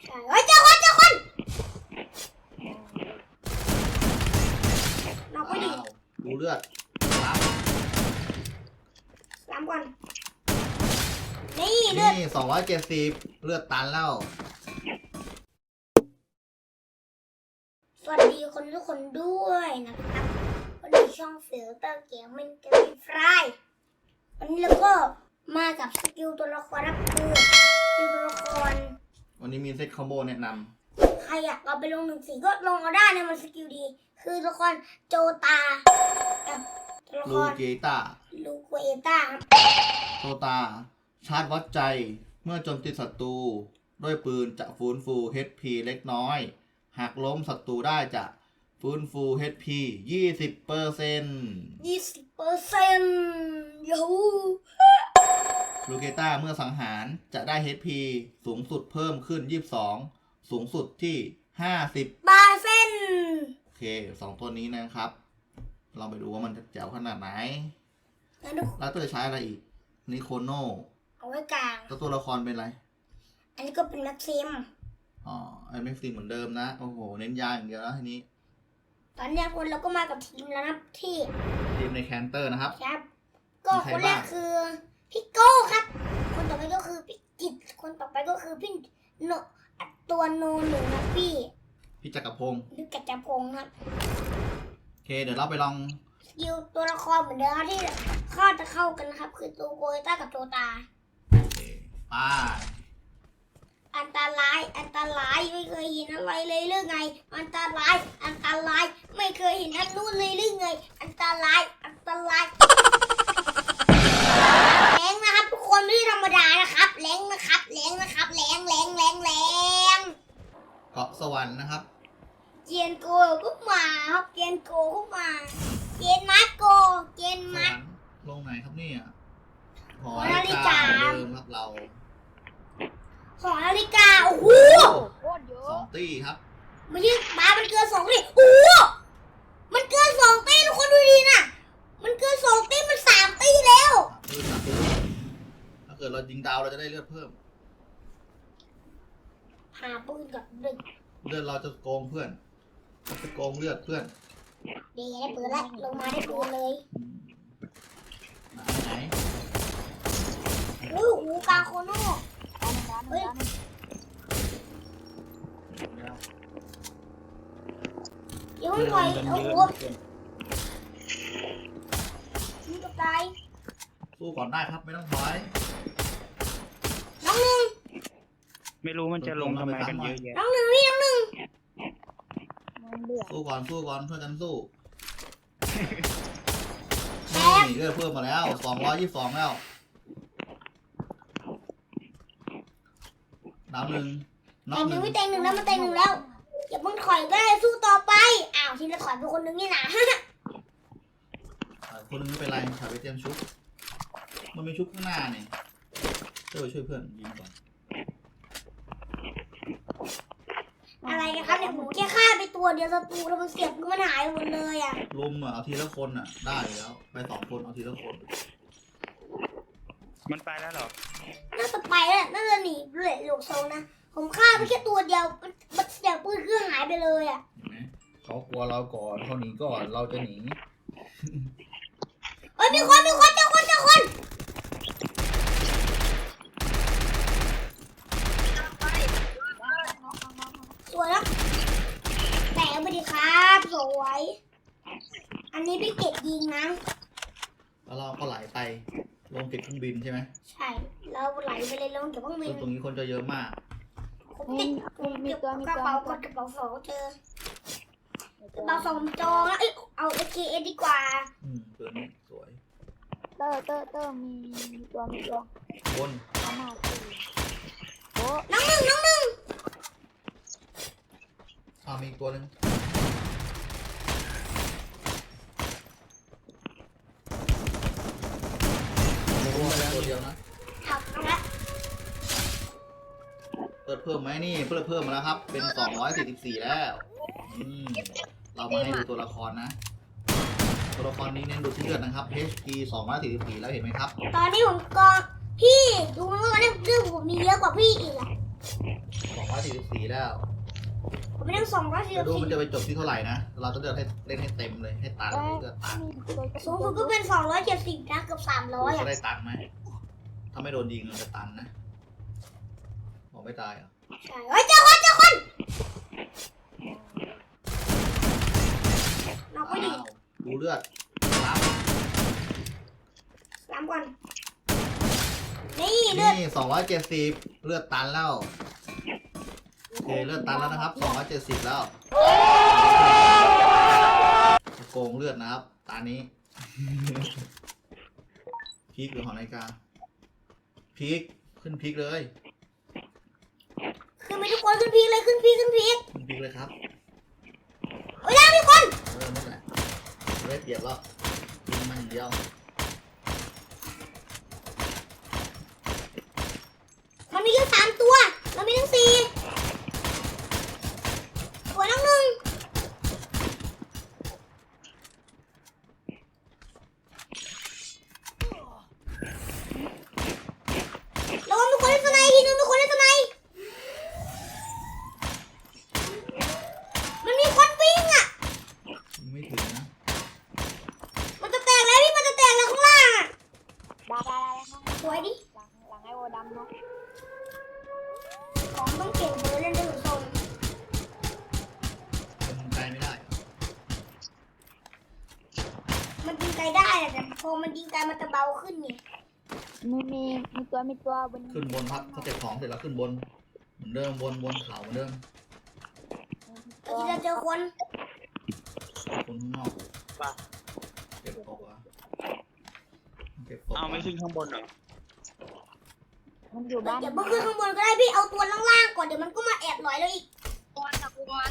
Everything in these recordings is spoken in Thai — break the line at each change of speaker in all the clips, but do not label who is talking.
ใช่เฮ้ยเจอคนน็อกไปดิ
ดูเลือดรับ
ล้ำก่อนนี่เลือด
นี่270เลือดตันแล้ว
สวัสดีคนทุกคนด้วยนะครับวันนี้ช่องฟิลเตอร์เกมมันจะมีฟรายวันนี้เราก็มากับสกิลตัวละครรับคือสกิลตัวละคร
วันนี้มีเซตคอมโบแนะน
ใครอยากเอาไปลง1-4ก็ลงเอาได้นะมันสกิลดี คือตัวละครโจตากับตัวละ
ำ
ค
ลู
ร
เกต้า
ลูเกต้าครับ
โตตา ชาร์จวัดใจเมื่อโจมตีศัตรูด้วยปืนจะฟื้นฟู HP เล็กน้อย หากล้มศัตรูได้จะฟื้นฟู HP 20%
20%ยู
ลูเกต้าเมื่อสังหารจะได้ HP สูงสุดเพิ่มขึ้น 22 สูงสุดที่ 50
บาเส้น
โอเค2ตัวนี้นะครับ เราไปดูว่ามันจะแจ๋วขนาดไหน
แล้วดู
แล้วตัวจะใช้อะไรอีกนิโคโน
เอาไว้กลาง
แล้วตัวละครเป็นอะไร
อันนี้ก็เป็นแม็กซิม
อ๋อไอแม็กซิมเหมือนเดิมนะ โอ้โห เน้นยาอย่างเดียวแล้วทีนี้
ตอนนี้คนเราก็มากับทีมแล้วนะที่
ทีมในแคนเตอร์นะครับ
ครับ ก็
มีใคร
คนแร
บ้าก ง
คือพี่โก้ครับ คนต่อไปก็คือพี่กิตคนต่อไปก็คือพี่โนตัวโนหนึ่งนะพี่
พี่จักรพงศ์
นึกกัจจพงศ์ครับ
โอเค เดี๋ยวเราไปลอง
สกิลตัวละครเหมือนเดิมครับที่ข้อจะเข้ากันนะครับ คือตัวโกยต้ากับตัวตา
โอเคไป้า
อันตรายไม่เคยเห็นอะไรเลยหรือไง อันตรายไม่เคยเห็นอันนู้นเลยหรือไง อันตรายแรงนะครับทุกคนไม่ธรรมดานะครับแรงนะครับแรง
เกาะสวรรค์นะครับ
เจียนโกก็มาครับเจียนโกก็มาเจียนมัดโกเจียน
สว
มั
ร
ด
รค์ลงไหนครับเนี่ยหอ
หอ
นา
นาฬิ
ฬิ
กา
กาเหมือนเดิมครับเรา
หอนาฬิกาโอ้โห
โคตรเยอะ
2 ตี้ครับ
มันยิ่งบ้ามันเกิน2 ตีโอ้โหมันเกิน2 ตีทุกคนดูดีนะมันเกิน2 ตีมัน3 ตีแล้ว
ถ้าเกิดเรายิงดาวเราจะได้เลือดเพิ่ม
หาปืนกับเด็ก
เลือดเราจะโกงเพื่อนจะโกงเลือดเพื่อน
เดี๋ยวได้ปืนแล้วลงมาได้ปืนเลย
ไหน
อุ้ยหูกาโคโน่ เฮ้ย เดี๋ยวมันปล่อยโอ้โหมันจะตาย
สู้ก่อนได้ครับไม่ต้องถอย
น้องหนึ่ง
ไม่รู้มันจะลงทำไมกันเยอะแยะ
น้องหนึ่งพี่น้องหนึ่ง
มันเดือด
สู้ก่อนช่วยกันสู้
แตก
นี่เลือดเพิ่มมาแล้ว222แล้วดาวหนึ่งน็อก
แต่
ห
หนึ่
นึ่
ง
ง
ไม่แต่งหนึ่งแล้วมันแต่งหนึ่งแล้วอย่าเพิ่งถอยก็ได้สู้ต่อไปอ้าวทีละถอยไปคนหนึ่งนี่นะ
คนนึงไม่เป็นไรถ่ายไปเตรียมชุบมันมีชุบข้างหน้าเนี่ยช่วยเพื่อนยิงก่อน
อะไรกันครับเนี่ยผมแค่ฆ่าไปตัวเดียวศัตรูแล้วมันเสียบมันหายหมดเลยอ่ะ
ลุมเอาทีละคนได้แล้วไป2 คนเอาทีละคน
มันไปแล้วเหรอ
น่าจะไปแล้วน่าจะหนีเลยหลกโซงนะผมฆ่าไปแค่ตัวเดียวมันเสียบปืนคือหายไปเลยอ่ะ
เห็นไหมเขากลัวเราก่อนเขาหนีก่อนเราจะหนี
เฮ้ยมีคนเจอคนสวยแล้วแต่ไปดีครับสวยอันนี้พี่เกดยิงนะ
แล้วเราก็ไหลไปลงเก็บเครื่องบินใช่ไหม
ใช่เราไหลไปเลยลงเก็บเครื่องบิ
ซึ่
น
งตรงนี้คนจะเยอะมาก
ผมติดผมเก็บกระเป๋ากดกระเป๋าสองเจอกระเป๋าสองจองแล้วเอา AKS ดีกว่า
ตัวนี้สวย
เตอร์มีตัว
บน
เอามาสิโอ้
น้องหนึ่ง
มีอีกตัวหนึ่งตัวเดียวนะ
เอาละ
เปิดเพิ่มไหมนี่เพิ่มมาแล้วครับเป็น244แล้วเรามาให้ดูตัวละครนะ ตัวละครนี้เน้นดูที่เลือดนะครับ HP 244แล้วเห็นไหมครับ
ตอนนี้ผมกองพี่ดูไหมว่าเนี่ยเรื่องผมมีเยอะกว่าพี่อีกอะ
244แล้ว
ผมไม่ต้อง244
ดูมันจะไปจบที่เท่าไหร่นะ เราต้องเล่นให้เต็มเลยให้ตันเลือดตัน
สูงสุดก็เป็น270นะเกือบ300
จะ
อ่ะ
ได้ตันไหมถ้าไม่โดนยิงมันจะตันนะบอกไม่ตายเหรอ
ใช่เฮ้ยเจอคนเราก็ดี
อ้าวดูเลือดรับ
ล้ำก่อนนี่เลือด
นี่270เลือดตันแล้วโอเคเลือดตันแล้วนะครับ270แล้วโกงเลือดนะครับตานี้ พีคหรือหอนาฬิกาพีคขึ้นพีคเลย
ขึ้นไปทุกคนขึ้นพีกเลยขึ้นพีก
ขึ้นพีคเลยครับ
เฮ้ยแล้วมีคน
นั่นแหละไม่ได้เปรียบแล้วยิงมันอย่างเดียว
มันมีแค่3ตัวเรามีทั้ง4ตัวทั้ง1แล้วมีคนเล่นสไนด์ทีนึงมีคนเล่นสไนด์มันมีคนวิ่งอ่ะ
ยิงไม่ถึงนะ
มันจะแตกแล้วพี่มันจะแตกแล้วข้างล่างอ่ะ
ได้ข้าง
สวยดิ
หลังไอ้โวดำเนาะ
ของต้องเก่งเบอร์เล่นได้ถึงทรง
มันไกลไม่ได้
มันยิงไกลได้แหละแต่พอมันยิงไกลมันจะเบาขึ้นนี่
มีตัวบน
ขึ้นบนพักเขาเก็บของเสร็จแล้วขึ้นบนเหมือนเดิมบนเขาเหมือนเดิม
เมื่อกี้เราเจอคน
คนข้างนอกเก็บของวะเก็บของ
เอาไม่ขึ้นข้างบนเหรอ
มันอยู่บ้าน
เดี๋ยวเพิ่งขึ้นข้างบนก็ได้พี่เอาตัวล่างๆก่อนเดี๋ยวมันก็มาแอบหลอยเราอีก
ตัวตะกุมัน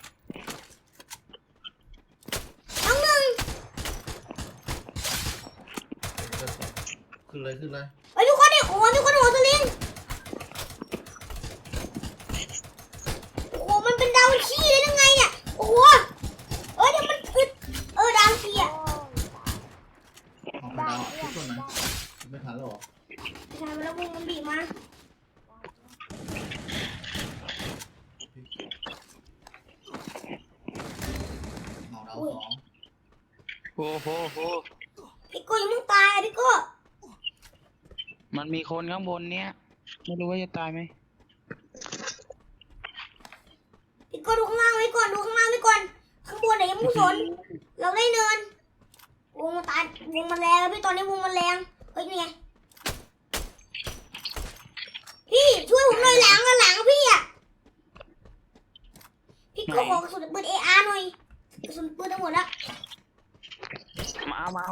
น้องหนึ่ง
ขึ้นเลยขึ้นเลย
ไอ้ยทุกคนดิโอ้โหทุกคนหัวสลิงโอ้โหมันเป็นดาวขี้เลยยังไงเนี่ยโอ้โหเดี๋ยวมันอึดดาวขี้อ่ะ
ออกมาดาวทุกคนนะไม่ทันแล้วหรอ
ใช่แล้ววงมันบีบมา
หมอดาว2
โอ้โห
พี่โก้ยังมึงตายอ่ะพี่โก้
มันมีคนข้างบนเนี้ยไม่รู้ว่าจะตายไหม
พี่โก้ดูข้างล่างไว้ก่อนดูข้างล่างไว้ก่อนข้างบนไหนยังไม่สนเราได้เนินวงมันตายวงมันแรงแล้วพี่ตอนนี้วงมันแรงเฮ้ยนี่ไงพี่ช่วยผมหน่อยหลังพี่อ่ะพี่โก้ขอกระสุนปืน AR หน่อยกระสุนปืนทั้งหมดแล้ว
มาเอา
ไม่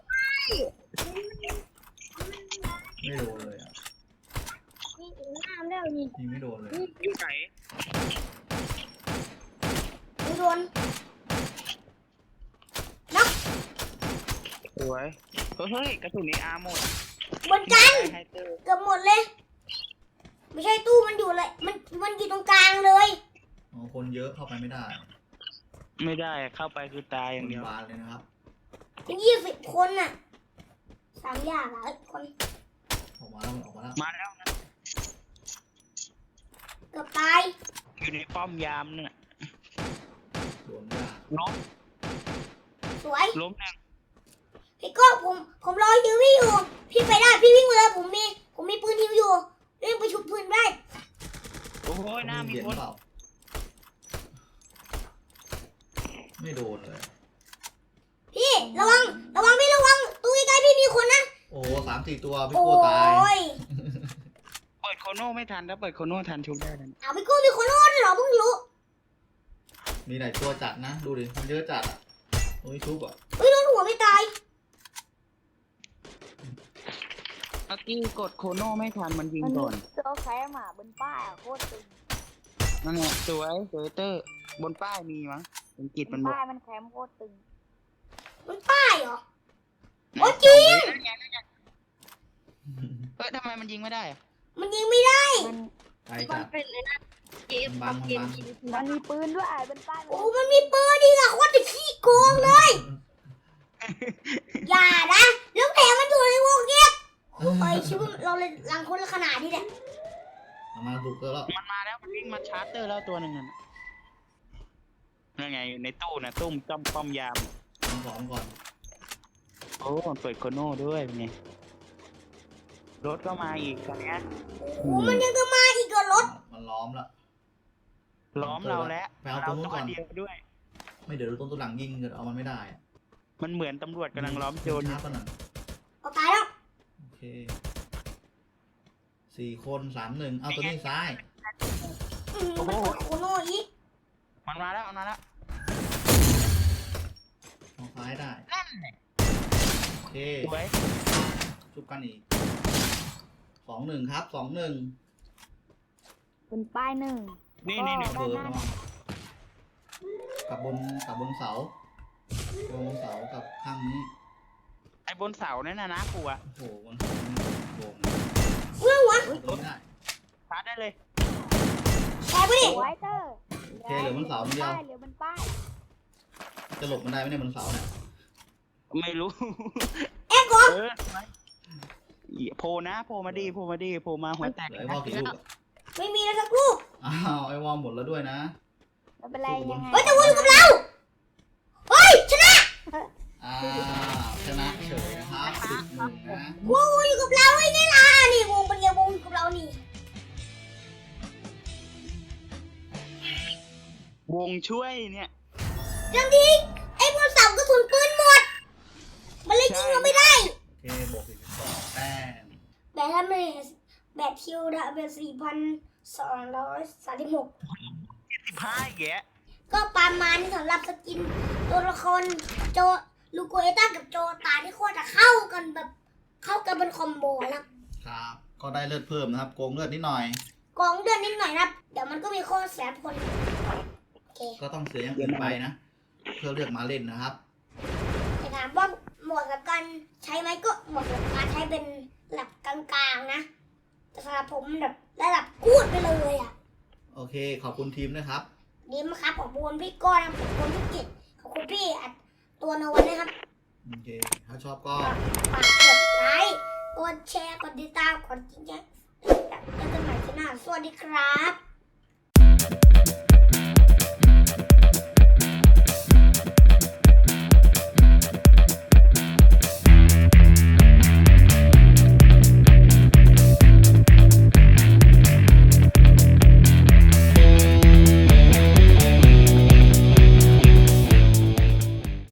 โดนเลยอ่ะ
นี่น้ำแล้วนี่
ยิงไม่โดนเลย
อยู่ไหน
ไม่โดน
สวยเฮ้ยกระสุนนี้อาหมด
บนกัน
ไฮเตอร์
เกือบหมดเลย ไม่ใช่ตู้มันอยู่เลยมันอยู่ตรงกลางเลย
อ๋อคนเยอะเข้าไปไม่ได้
ไม่ได้เข้าไปคือตายอ
ค
ย่าง
น
เดียว
บานเลยนะครับ
20 คนน่ะ3 อย่างอ่ะคน
ออกมาแล้วออกมาแล้ว
มาแล้วนะ
เกือบตาย
อยู่ในป้อมยามเนี่ย
โดนยาก
ล้ม
สวย
ล้มหนึ่ง
พี่ก็ผมรอฮิวพี่อยู่พี่ไปได้พี่วิ่งมาเลยผมมีปืนฮิวอยู่เร่งไปชุบปืนได้
โอ้โหหน้ามี
เห็น
คน
เปล่าไม่โดนเลย
พี่ระวังพี่ระวังตู้ใกล้ๆพี่มีคนนะ
โอ้3-4 ตัวพี่
โอ้
โก้ตาย
ย
เปิดโคโน่ไม่ทันถ้าเปิดโคโน่ทันชุบได้เลย
เอาพี่โก้มีคนโน้นเหรอเพิ่งรู้
มีหลายตัวจัดนะ ดูดิ มันเยอะจัดอ่ะตรงนี้ชุบอ่ะ
เฮ้ยโดนหัวไม่ตาย
เมื่อกี้กดโคโน่ไม่ทันมันยิง
มัน
ก่อน
ตัวแค่หมาบนป้ายโคตรตึง
นั่นแหละสวยเตอร์บนป้ายมีมั้งเป็นกิจมันบอก
ป้ายมันแคมโคตรตึง
มันป้ายเหรอ โอ้จริง
เฮ้ยทำไมมันยิงไม่ได้อะ
มันยิงไม่ได้
มัน
ไกลจัด
เป็นเลยนะเกม
มันบัง
มันมีปืนด้วยบนป้าย
โอ้มันมีปืนดีอะโคตรจะขี้โกงเลย อย่านะแล้วแถมมันอยู่ในวงเงียบโอ้ยชิบเราเลยลังคนละขนาดนี้เนี่ย
มาบุกเตอร์แล้ว
มันมาแล้วมันวิ่งมาชาร์จเตอร์แล้วตัวหนึ่งนั่นน่ะนั่นไงในตู้นะตุ้มจ้อมป้อมยาม
เอาของก่อน
โอ้มันเปิดโคโน่ด้วยเป็นไงรถก็มาอีกตอนเนี้ย
โอ้มันยังจะมาอีกเหรอรถ
มันล้อมแล้ว
ล้อมเราแล้ว
ไปเอาตรงนู้นก่อน
เาตัวเดียวด้วย
ไม่เดี๋ยวดูต้นตัวหลังยิงเกิดเอามันไม่ได้อะ
มันเหมือนตำรวจกำลังล้อมโจรอ
ชา
ยู่
ร์จก่อนหน่อย
เอาตายแล้ว
โอเค4 คน 3 1เอาตัวนี้ซ้าย
มันกดโคโน่อีก
มันมาแล้วมันมาแล้ว
เอาซ้ายได้
นั่นแหละ
โอเค
สวย
ชุบกันอีก2-1ครับ2-1
บนป้ายหนึ่ง
นี่
เปิดระวังกับบนเสาบนเสากับข้างนี้
ไอ้บนเสานั่นนะกูอะ
โอ้โหบนเสานี่โด่ง
เมื่อวะ
เอาตัวนี้ได้
ชาร์จได้เลย
แตกไปดิ
ไวเตอร์
โอเคเหลือบนเสาคนเดียว
เหลือบนป้าย
จะหลบมันได้ไหมเนี่ยบนเสาเนี่ย
ไม่รู้
แอกก่อน
โผล่นะโผล่มาดีโผล่มาดีโผล่มาหัวแตก
เหลือไอ้วอลกี่ลูกอะ
ไม่มีแล้วสักลูก
อ้าวไอ้วอลหมดแล้วด้วยนะ
ไม่เป็นไรยังไง
เฮ้ยตะวันอยู่กับเราเฮ้ยชนะ
อ้าวชนะเฉยนะครับ10-1นะ
วงอยู่กับเราไอ้นี่ล่ะนี่วงเป็นไงวงอยู่กับเรานี่
วงช่วยเนี่ย
จังทีไอ้บนเสากระสุนปืนหมด มันเลยยิงเราไม่ได้
โอเคบวก42แต้ม
แบตทำไมแบตทิวดาเบล4,236
15แกะ
ก็ประมาณนี้สำหรับสกินตัวละครโจลูโกเอต้ากับโจตาที่โคตรจะเข้ากันแบบเข้ากันเป็นคอมโบแล้ว
ครับ ก็ได้เลือดเพิ่มนะครับ โกงเลือดนิดหน่อย
กองเดือนนิดหน่อยนะครับ เดี๋ยวมันก็มีโคตรแสนคนโอเค
ก็ต้องเสียอย่างอื่นไปนะ เพื่อเลือกมาเล่นนะครับ
แต่ถามว่าเหมาะกับการใช้ไหมก็เหมาะกับการใช้เป็นระดับกลางๆนะ แต่สำหรับผมแบบระดับกูดไปเลยอ่ะ
โอเค ขอบคุณทีมนะครับ
ดีมากครับขอบคุณพี่ก้อนนะขอบคุณพี่กิตขอบคุณพี่อัดตัวโนวันนะครับ
โอเค ถ้าชอบก็
ฝากกดไลค์ กดแชร์ กดติดตาม กดจิ๊งแจ๊กแล้วกันใหม่ที่หน้า สวัสดีครับ